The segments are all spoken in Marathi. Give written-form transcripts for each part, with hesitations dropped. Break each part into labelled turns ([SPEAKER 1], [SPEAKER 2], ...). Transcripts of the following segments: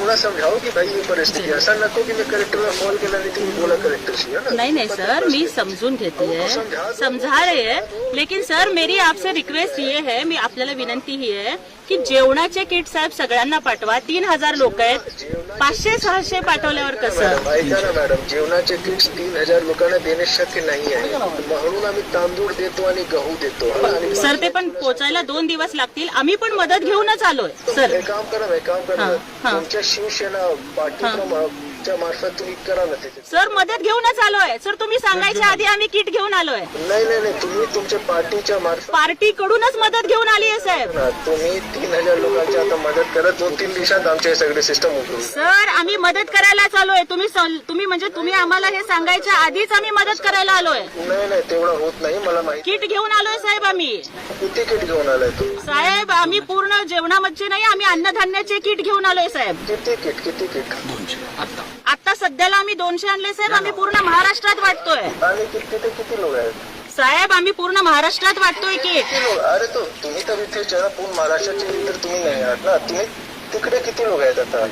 [SPEAKER 1] थोड़ा समझाओ की भाई ये परिस्थिती असं नको की मी कलेक्टरला कॉल केला आणि तुम्ही बोला कलेक्टरशी है ना।
[SPEAKER 2] नहीं नहीं सर, मैं समझून घेती है, समझा रहे हैं, लेकिन सर मेरी आपसे रिक्वेस्ट ये है, मी आपल्याला विनंती ही आहे की जेवणाचे किट साहेब सगळ्यांना पाठवा. 3000 लोक आहेत, 500-600 पाठवल्यावर कसं?
[SPEAKER 1] ऐका ना मॅडम, जेवणाचे किट्स 3000 लोकांना देणे शक्य नाही आहे, म्हणून आम्ही तांदूळ देतो आणि गहू देतो. आणि
[SPEAKER 2] सर ते पण पोचायला 2 दिवस लागतील. आम्ही पण मदत घेऊनच आलोय सर.
[SPEAKER 1] हे काम करा तुमच्या शिवसेना पार्टीच्या मार्फत तुम्ही करा ना ते.
[SPEAKER 2] सर मदत घेऊनच आलोय सर, तुम्ही सांगायच्या आधी आम्ही किट घेऊन आलोय.
[SPEAKER 1] नाही तुम्ही तुमच्या पार्टीच्या मार्फत
[SPEAKER 2] पार्टीकडूनच मदत घेऊन आली आहे साहेब.
[SPEAKER 1] तुम्ही 3000 लोकांची आता मदत करा. 2-3 दिवसात आमचे सगळे सिस्टम उघडून.
[SPEAKER 2] सर आम्ही मदत करायला आलोय. तुम्ही म्हणजे तुम्ही आम्हाला हे सांगायच्या आधीच आम्ही मदत करायला आलोय.
[SPEAKER 1] नाही तेवढं होत नाही मला माहिती.
[SPEAKER 2] किट घेऊन आलोय साहेब आम्ही.
[SPEAKER 1] किती किट घेऊन आलाय तू?
[SPEAKER 2] साहेब आम्ही पूर्ण जेवणामध्ये नाही, आम्ही अन्नधान्याचे किट घेऊन आलोय साहेब.
[SPEAKER 1] किती किट?
[SPEAKER 2] आता सध्याला आम्ही 200 आणले साहेब. आम्ही पूर्ण महाराष्ट्रात वाटतोय.
[SPEAKER 1] आणि किती लोक आहेत
[SPEAKER 2] साहेब? आम्ही पूर्ण महाराष्ट्रात वाटतोय किट.
[SPEAKER 1] अरे तो तुम्ही तर इथे पूर्ण महाराष्ट्राचे तर तुम्ही नाही आहात ना. तुम्ही तिकडे किती लोक आहेत आता?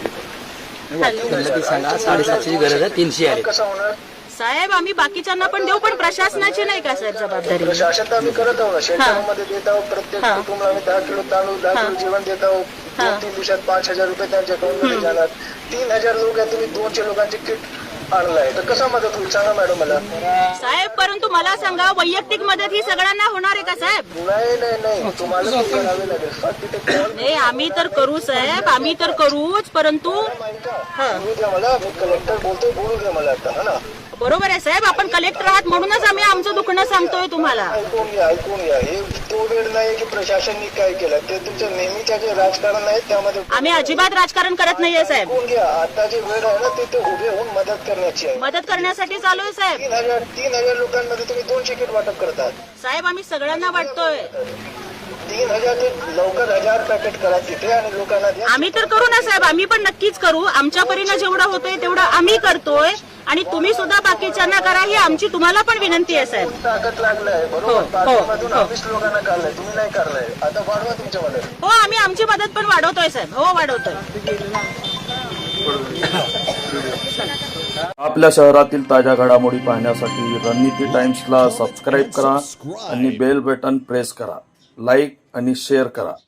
[SPEAKER 3] सांगा 750ची गरज आहे, 300 आले.
[SPEAKER 1] कसं होणार
[SPEAKER 2] साहेब? आम्ही बाकीच्यांना पण देऊ, पण प्रशासनाची नाही का साहेब जबाबदारी?
[SPEAKER 1] प्रशासन तर आम्ही करत आहोत ना. शेतकऱ्यांमध्ये देत आहोत. प्रत्येक कुटुंबाला आम्ही 10 किलो तांदूळ 10 किलो जेवण देत आहोत. 2-3 दिवसात 5000 रुपये त्यांच्या अकाउंटमध्ये जाणार. 3000 लोक आहेत, तुम्ही 200 लोकांचे किट आणलाय तर कसा मदत होईल सांगा मॅडम मला.
[SPEAKER 2] साहेब परंतु मला सांगा, वैयक्तिक मदत ही सगळ्यांना होणार आहे का साहेब?
[SPEAKER 1] नाही तुम्हाला ते करावे लागेल. फक्त तिथे कॉल
[SPEAKER 2] नाही आम्ही तर करू साहेब, आम्ही तर करूच, परंतु
[SPEAKER 1] बोलू द्या मला. मी कलेक्टर बोलतोय, बोलू द्या मला आता. हा ना,
[SPEAKER 2] बरोबर आहे साहेब, आपण कलेक्टर आहात म्हणूनच आम्ही आमचं दुखणं सांगतोय तुम्हाला.
[SPEAKER 1] ऐकून घ्या. हे तो वेळ नाही की प्रशासनाने काय केलं. ते तुमचं नेहमीच्या जे राजकारण आहे त्यामध्ये
[SPEAKER 2] आम्ही अजिबात राजकारण करत नाहीये साहेब.
[SPEAKER 1] ऐकून घ्या. आता जे वेळ आहे ना तिथे उभे होऊन मदत करण्याची आहे.
[SPEAKER 2] मदत करण्यासाठी चालू आहे साहेब.
[SPEAKER 1] 3000 लोकांमध्ये तुम्ही 200 किट वाटप करतात
[SPEAKER 2] साहेब. आम्ही सगळ्यांना वाटतोय.
[SPEAKER 1] 3000 ते लवकर 1000 पॅकेट करा तिथे आणि लोकांना द्या.
[SPEAKER 2] आम्ही तर करू ना साहेब, आम्ही पण नक्कीच करू. आमच्या परीनं जेवढं होतंय तेवढं आम्ही करतोय, आणि तुम्ही सुद्धा बाकीच्यांना करा ही आमची तुम्हाला पण विनंती आहे साहेब.
[SPEAKER 1] ताकद लागलाय बरोबर. पाठीमधून 20 लोकांना काढलाय, तुम्ही नाही काढलाय. आता वाढवा तुमच्या मदत.
[SPEAKER 2] हो आम्ही आमची मदत पण वाढवतोय साहेब. हो वाढवतोय.
[SPEAKER 4] आपल्या शहरातील ताज्या घडामोडी पाहण्यासाठी रणनीती टाइम्सला सबस्क्राईब करा आणि बेल बटन प्रेस करा. लाईक आणि शेअर करा.